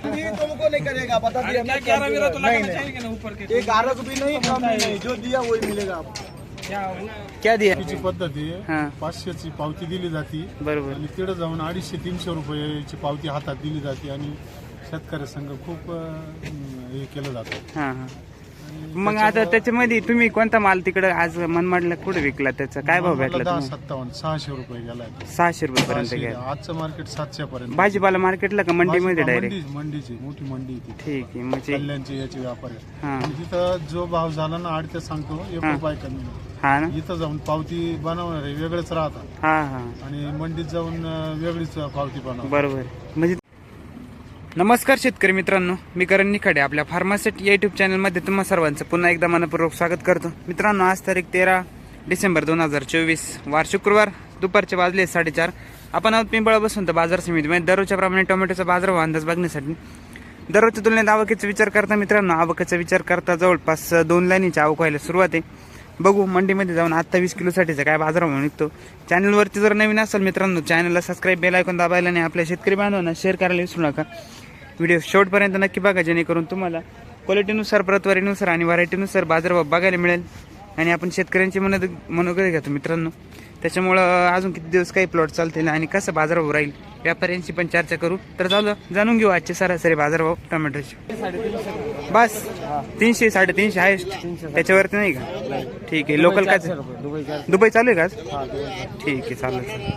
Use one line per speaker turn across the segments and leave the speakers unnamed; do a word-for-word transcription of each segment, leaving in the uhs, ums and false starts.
तुमको नहीं करेगा, बता दिया ना। ग्यारह मेरा तो लगाना चाहिए ना ऊपर के, एक आरक भी नहीं कम नहीं, जो दिया वही मिलेगा आपको।
क्या दिया?
ची पद्धत आहे,
हा
पाचशेची पावती दिली जाते
बरोबर.
आणि तिकडे जाऊन अडीचशे तीनशे रुपयाची पावती हातात दिली जाते आणि शेतकरी संघ खूप अं, हे केलं जातं.
हा हा मग आता त्याच्यामध्ये तुम्ही कोणता माल तिकडे आज मनमाडला कुठे विकला? त्याचा काय भाव भेटला
दहा
तुम्ही?
सत्तावन्न सहाशे रुपये गेलाय.
सहाशे रुपये पर्यंत
सहाशे.
घ्या.
आजचं मार्केट सातशे पर्यंत.
भाजीपाला मार्केटला का मंडीमध्ये डायरेक्ट?
मंडी मंडीची मोठी मंडी आहे ती.
ठीक आहे म्हणजे
कल्याणची याची व्यापारी आहे.
हा
आणि तिथं जो भाव झाला ना आठ ते सांगतो एक
हा.
रुपये कमी नाही.
हा ना
इथं जाऊन पावती बनवणारे वेगळेच राहतात
हा हा
आणि मंडीत जाऊन अं, वेगळीच पावती बनवतात.
बरोबर. म्हणजे नमस्कार शेतकरी मित्रांनो, मी करण निखाडे आपल्या फार्मासेट या युट्यूब चॅनलमध्ये तुम्हा सर्वांचं पुन्हा एकदा मनपूर्वक स्वागत करतो. मित्रांनो, आज तारीख तेरा डिसेंबर दोन हजार चोवीस वार शुक्रवार, दुपारचे वाजले साडेचार. आपण आहोत पिंपळा बसून तर बाजार समितीमध्ये दररोजच्या प्रमाणे टोमॅटोचा बाजारभाव अंदाज बघण्यासाठी. दररोजच्या तुलनेत आवकेचा विचार करता मित्रांनो, आवकाचा विचार करता जवळपास दोन लाईनीची आवक व्हायला सुरुवात आहे. बघू मंडीमध्ये जाऊन आत्ता वीस किलोसाठीचा काय बाजारभाव निघतो. चॅनलवरती जर नवीन असेल मित्रांनो, चॅनलला सबस्क्राईब, बेल आयकॉन दाबायला आणि आपल्या शेतकरी बांधवांना शेअर करायला विसरू नका. व्हिडिओ शेवटपर्यंत नक्की बघा, जेणेकरून तुम्हाला क्वालिटीनुसार, प्रतवारीनुसार आणि व्हरायटीनुसार बाजारभाव बघायला मिळेल. आणि आपण शेतकऱ्यांची मनोद मनोगत घेतो मित्रांनो, त्याच्यामुळं अजून किती दिवस काही प्लॉट चालतील आणि कसं बाजारभाव राहील व्यापाऱ्यांशी पण चर्चा करू. तर चालू जाणून घेऊ आजचे सरासरी बाजारभाव टोमॅटोचे. बस तीनशे साडेतीनशे हायस्ट, त्याच्यावरती नाही का? ठीक आहे. लोकल काय दुबई चालू आहे का आज? ठीक आहे, चालेल.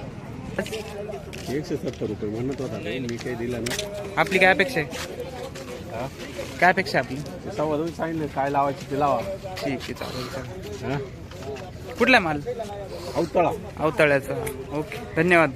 एकशे सत्तर रुपये म्हणत होता, मी काही दिला नाही.
आपली काय अपेक्षा आहे? काय अपेक्षा आपली?
सव्वा दोन सांगितलं, काय लावायची ते लावा.
ठीक आहे, चालेल चालेल.
हा?
कुठला माल?
अवतळा.
अवताळ्याचा. ओके, धन्यवाद.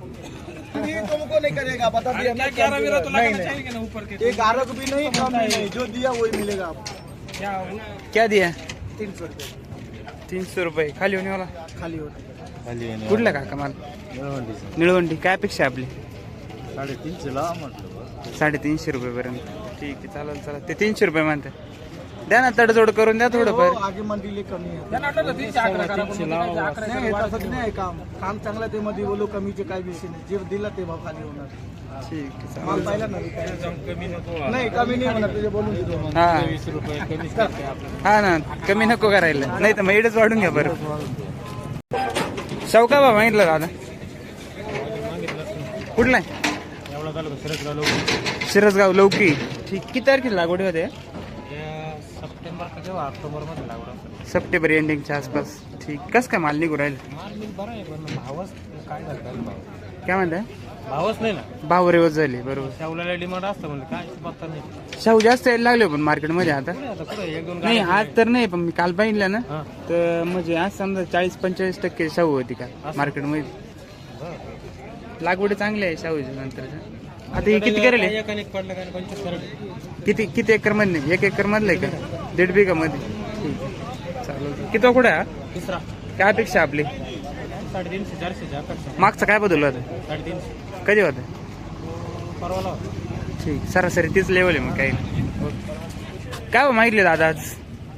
तुमको नहीं करेगा, बता दिया ना। ग्यारह मेरा तो लगाना चाहिए ना ऊपर के, एक आरक भी नहीं कम नहीं, जो दिया वही मिलेगा आपको।
क्या दिया?
तीन सौ रुपये
तीनशे रुपये खाली होणे वाला.
खाली होता.
कुठला काका माल? निळवंडी. काय अपेक्षा आहे आपली?
साडेतीनशे लावा म्हटलं.
साडेतीनशे रुपये पर्यंत. ठीक आहे, चालेल चालेल. ते तीनशे रुपये म्हणते. द्या ना, तडजोड करून द्या थोडंफार.
हो, आगे मंडी कमी आहे. नाही, तसं नाही काम. काम चांगलं ते मध्ये बोलू, कमीचे काय विषय नाही. जे दिला ते भाव खाली होणार.
ठीक आहे,
माल
चालेल.
पाहिला ना, नाही कमी नाही होणार, तुझे बोलून देतो.
हा हा ना, कमी नको करायला, नाही तर मग एवढंच वाढून घ्या बरं. शौका बा मागितलं दादा? कुठला आहे? शिरसगाव लौकी. ठीक. किती तारखेला लागवड होते?
सप्टेंबर किंवा ऑक्टोबर मध्ये लागवड.
सप्टेंबर एंडिंगच्या आसपास. ठीक. कसं काय माल निघू राहील?
बरं आहे, पण भावच काय झालं,
काय म्हणताय?
भावच नाही ना.
भाव रेवत झाली. बरोबर.
शाहूला डिमांड असतं म्हणजे काय पत्ता नाही.
शाहू जास्त यायला लागले पण मार्केटमध्ये आता.
आता कुठे एक दोन
नाही आज तर नाही, पण मी काल पाहिलं ना, तर म्हणजे आज समजा चाळीस पंचेचाळीस टक्के शाहू होती का मार्केटमध्ये. लागवड चांगली आहे शाहूच्या नंतर. आता हे किती करेल?
एक आणि एक पडलं काय पंचवीस करेल.
किती किती एकर मध्ये? एक एकर मधलं आहे का? दीड बिघा मध्ये. ठीक आहे, चालेल. किती कुठे हा?
तिसरा.
काय अपेक्षा आपली?
साडेतीनशे चारशे अपेक्षा.
मागचा काय बदलला होता?
साडेतीनशे
कधी होता?
परवाला.
ठीक. सरासरी तीच लेवल आहे मग काही नाही. काय मागितले दादा आज?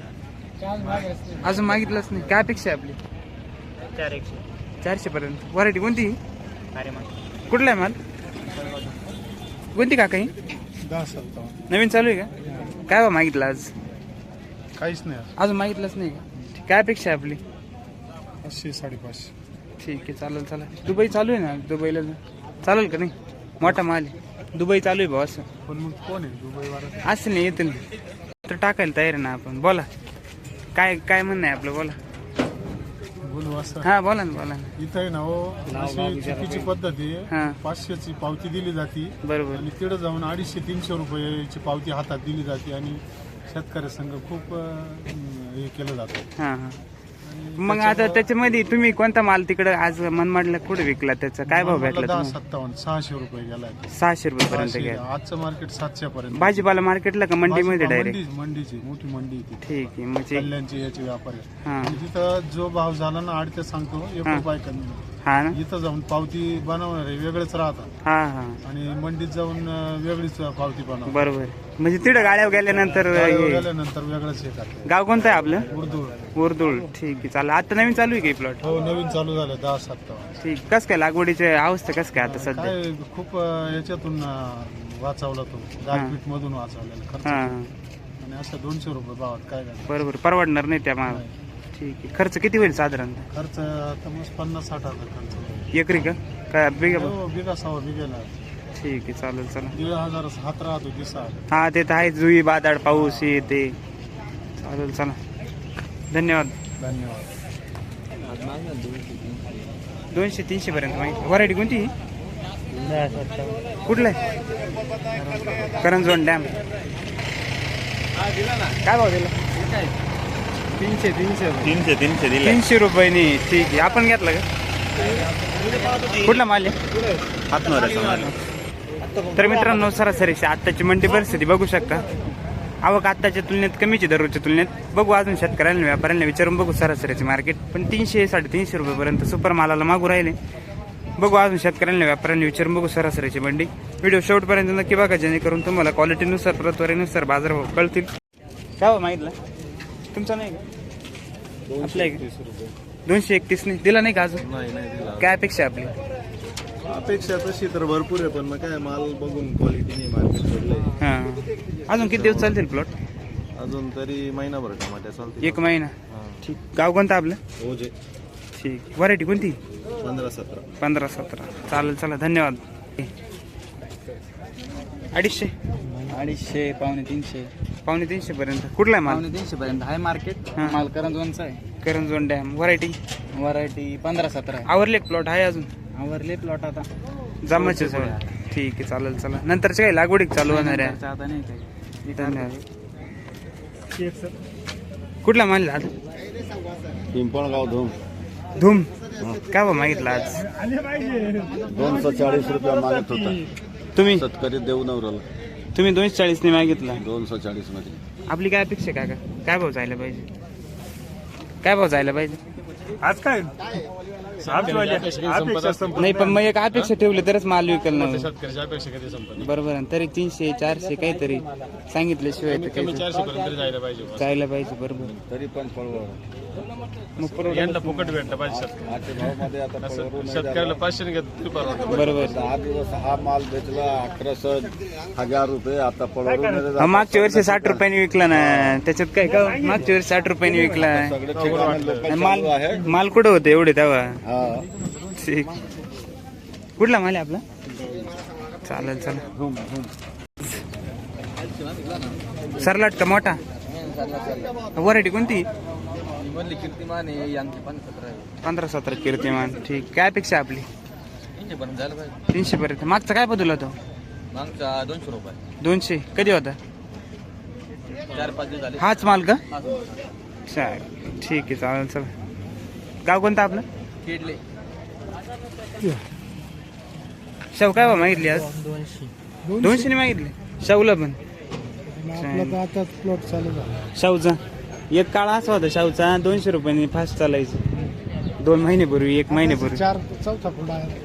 अजून मागितलंच नाही. काय अपेक्षा आहे आपली?
चार एकशे
चारशे पर्यंत. व्हरायटी कोणती?
अरे मग
कुठला आहे माल? कोणती का काही
दहा सत्तावन्न
नवीन चालू आहे का? काय बा मागितलं आज?
काहीच नाही.
अजून मागितलंच नाही का? काय अपेक्षा आहे आपली?
पाचशे साडेपाचशे.
ठीक आहे, चालेल चालेल. दुबई चालू आहे ना, दुबईला चालेल का नाही? मोठा माल आहे, दुबई चालू आहे भाऊ. असं
पण मग कोण आहे दुबई वाला?
असं नाही, येतील तर टाकायला तयार आहे ना आपण. बोला, काय काय म्हणणं आहे आपलं? बोला.
बोलू असं.
हा बोला ना, बोला ना.
इथं आहे ना हो, अशी चुकीची पद्धत
हा.
आहे. पाचशेची पावती दिली जाते
बरोबर.
आणि तिकडे जाऊन अडीचशे तीनशे रुपयाची पावती हातात दिली जाते आणि शेतकरी संघ खूप अं, हे केलं जातं.
हा हा मग आता त्याच्यामध्ये तुम्ही कोणता माल तिकडे आज मनमाडला कुठे विकला? त्याचा काय भाव भेटला
दहा
तुम्हाला?
सत्तावन्न सहाशे रुपये गेलाय.
सहाशे रुपये पर्यंत
सहाशे.
घ्या.
आजचं मार्केट सातशे पर्यंत.
भाजीपाला मार्केटला का मंडीमध्ये डायरेक्ट?
मंडी मंडीची मोठी मंडी आहे ती.
ठीक आहे, म्हणजे
कल्याणची याची व्यापारी.
हा
आणि तिथं जो भाव झाला ना आठ ते सांगतो एक
हा.
रुपये कमी नाही.
हा ना.
इथं जाऊन पावती बनवणारे वेगळेच राहतात
हा हा
आणि मंडीत जाऊन अं, वेगळीच पावती बनवतात.
बरोबर. म्हणजे तिथं गाड्या गेल्यानंतर हे-
गेल्यानंतर वेगळंच हे करतात.
गाव कोणतं आहे आपलं?
उर्दू.
उर्दुळ. ठीक आहे, चालेल. आता नवीन चालू आहे की प्लॉट?
हो, नवीन चालू झालं दहा सत्तावन्न.
ठीक. कस काय लागवडीची अवस्था कस काय आता सध्या?
काय खूप अं, याच्यातून अं, वाचवला तो गारपीट मधून वाचवलेला खर्च
हां
आणि असं दोनशे रुपये भावात काय करणार
बरोबर परवडणार नाही त्या माल ठीक आहे खर्च किती होईल साधारणतः
खर्च आता मग पन्नास साठ हजार खर्च होईल.
एकरी का काय बिगा
हो, बिगा सहा बिघेला
ठीक आहे चालेल चला
दीड हजार हात राहतो दिसा
हा ते तर आहे जुई बादाड पाऊस हे ते चालेल चला धन्यवाद
धन्यवाद.
दोनशे तीनशे पर्यंत माहिती व्हरायटी कोणती कुठलं आहे करंजवन डॅम काय भाव दिला
तीनशे तीनशे
तीनशे तीनशे दिले
तीनशे रुपयानी ठीक आहे आपण घेतलं का कुठला माल आहे
हातमार
तर मित्रांनो सरासरी आत्ताची मंडी परिस्थिती बघू शकता आवक आत्ताच्या तुलनेत कमीची दररोजच्या तुलनेत बघू अजून शेतकऱ्यांना व्यापाऱ्यांना विचारून बघू सरासरीचे मार्केट पण तीनशे साडेतीनशे रुपयेपर्यंत सुपर मालाला मागू राहिले बघू अजून शेतकऱ्यांना व्यापाऱ्यांना विचारून बघू सरासरीची मंडी व्हिडिओ शेवटपर्यंत नक्की बघा जेणेकरून तुम्हाला क्वालिटीनुसार प्रतवारीनुसार बाजारभाव कळतील काय हो मागितलं तुमचा नाही का आपला आहे का दोनशे एकतीस नाही दिला नाही का अजून
नाही नाही दिला
काय अपेक्षा आहे आपली
अपेक्षा तशी तर भरपूर आहे पण मग काय माल बघून क्वालिटी नाही मार्केट सोडलंय
हां अजून किती दिवस चालतील प्लॉट
अजून तरी महिनाभर टमाट्या चालते
एक महिना ठीक गाव कोणतं आपलं
ओजे
ठीक व्हरायटी कोणती
पंधरा सतरा
पंधरा सतरा चालेल चला धन्यवाद अडीचशे
अडीचशे पावणे तीनशे
पावणे तीनशे पर्यंत कुठला आहे माल
पावणे तीनशे पर्यंत आहे मार्केट
हा.
माल करंजवनचा आहे
करंजवन डॅम व्हरायटी
व्हरायटी पंधरा सतरा आहे
आवरले प्लॉट आहे अजून
आवरले प्लॉट आता
जमाचे सगळं ठीक आहे चालेल चला नंतरच्या काही लागवडी चालू होणार आहे
आता नाही काही
धन्यवाद कुठला माल आज
पिंपळगाव धूम
धूम काय बा मागितलं आज
दोनशे चाळीस रुपया मागत होता
तुम्ही
शेतकरी देऊ नवराला
तुम्ही दोनशे चाळीसने मागितला
दोनशे चाळीस मध्ये
आपली काय अपेक्षा काय का काय भाव जायला पाहिजे काय भाव जायला पाहिजे
आज काय
नाही पण मग एक अपेक्षा ठेवली तरच माल विकल ना
शेतकऱ्याची अपेक्षा कधी संपत
बरोबर आहे. तरी तीनशे चारशे काहीतरी सांगितल्याशिवाय तर काही
चारशे पर्यंत जायला पाहिजे
जायला पाहिजे बरोबर
तरी पण पळवळ
मग परवडा
यांना फुकट भेटलं पाहिजे शेतकरी
आजच्या भावामध्ये आता पळवळ नाही
शेतकऱ्याला पाचशे घेत तरी परवडतं
बरोबर
दहा दिवस हा माल बेचला अठराशे हजार रुपये आता पळवळ
हा, मागच्या वर्षी साठ रुपयांनी विकला ना त्याच्यात काय का मागच्या वर्षी साठ रुपयांनी विकला
सगळे ठिकाणी लोकल
माल
चालू आहे
माल कुठं होते एवढे तेव्हा
हा
ठीक कुठला माल आहे आपला चालेल चला सरलाट का मोठा व्हरायटी कोणती
कीर्तिमान आहे यांची पण सतरा आहे
पंधरा सतरा कीर्तिमान ठीक काय अपेक्षा आपली
तीनशे पर्यंत जायला पाहिजे
तीनशे पर्यंत मागचा काय बदल होतो
मागचा दोनशे रुपये
दोनशे कधी होता
चार पाच दिवस झाले
हाच माल का
हा.
चालेल ठीक आहे चालेल चला गाव कोणतं आपलं
केडले
शाहू काय बा मागितली आज
दोनशे
दोनशे मागितली शाहूला पण
आता प्लॉट चालू झाला
शाहूचा एक काळ असा होता शाहूचा दोनशे रुपयांनी फास्ट चालायचं दोन महिन्यापूर्वी एक महिन्यापूर्वी
चार चौथा फुला आहे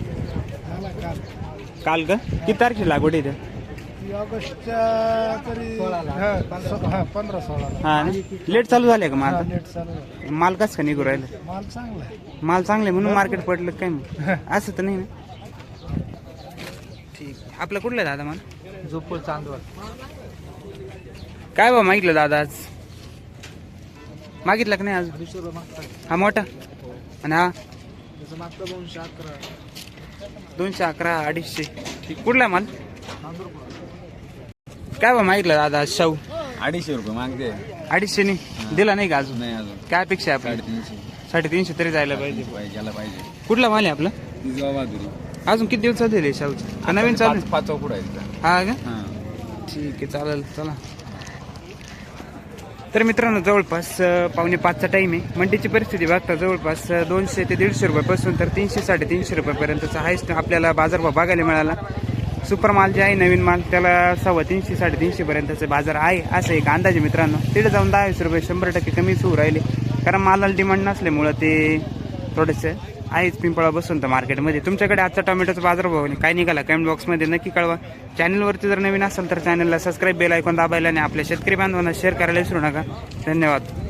काल का किती तारखेला लागवड आहे
ऑगस्टच्या तरी हा पंधरा सोळा
हा लेट चालू झाले का माल
नेट चालू आहे.
माल कसं का निघू राहिलं
माल चांगला आहे
माल चांगले म्हणून मार्केट पडलं काय मग असं तर नाही ना ठीक आपलं कुठलं दादा माल
जोपूर चांदवड
काय बा मागितलं दादा आज मागितलं का नाही आज
अडीचशे रुपये मागतात
हा मोठा आणि हा
त्याचं मागतं दोनशे अकरा
दोनशे अकरा अडीचशे ठीक कुठला माल काय बा मागितलं दादा आज शाहू
अडीचशे रुपये मागते
अडीचशे नाही दिला नाही का अजून
नाही अजून
काय अपेक्षा आहे आपली
साडेतीनशे
साडेतीनशे तरी जायला पाहिजे
पाहिजे पाहिजे
कुठला माल आहे आपला
तिजवा बहादुरी
अजून किती दिवस चालू शाहूचं का नवीन चालू आहे?
पाच चौकड आहेत
हा का
हा
ठीक आहे चालेल चला तर मित्रांनो जवळपास अं, पावणे पाचचा टाईम आहे मंडीची परिस्थिती बघता जवळपास अं, दोनशे ते दीडशे रुपयापासून तर तीनशे साडेतीनशे रुपयापर्यंतचा हायस्ट आपल्याला बाजारभाव बघायला मिळाला सुपर माल जे आहे नवीन माल त्याला सव्वा तीनशे साडेतीनशे पर्यंतचे बाजार आहे असं एक अंदाजे मित्रांनो तिथे जाऊन दहा वीस रुपये शंभर टक्के कमीच होऊ राहिले कारण मालाला डिमांड नसल्यामुळं ते थोडेसे आहेच पिंपळा बसून तर मार्केटमध्ये तुमच्याकडे आजचा टोमॅटोचा बाजारभाव काय निघाला कमेंट बॉक्समध्ये नक्की कळवा चॅनलवरती जर नवीन असेल तर चॅनलला सबस्क्राईब बेल ऐकून दाबायला आणि आपल्या शेतकरी बांधवांना शेअर करायला विसरू नका धन्यवाद.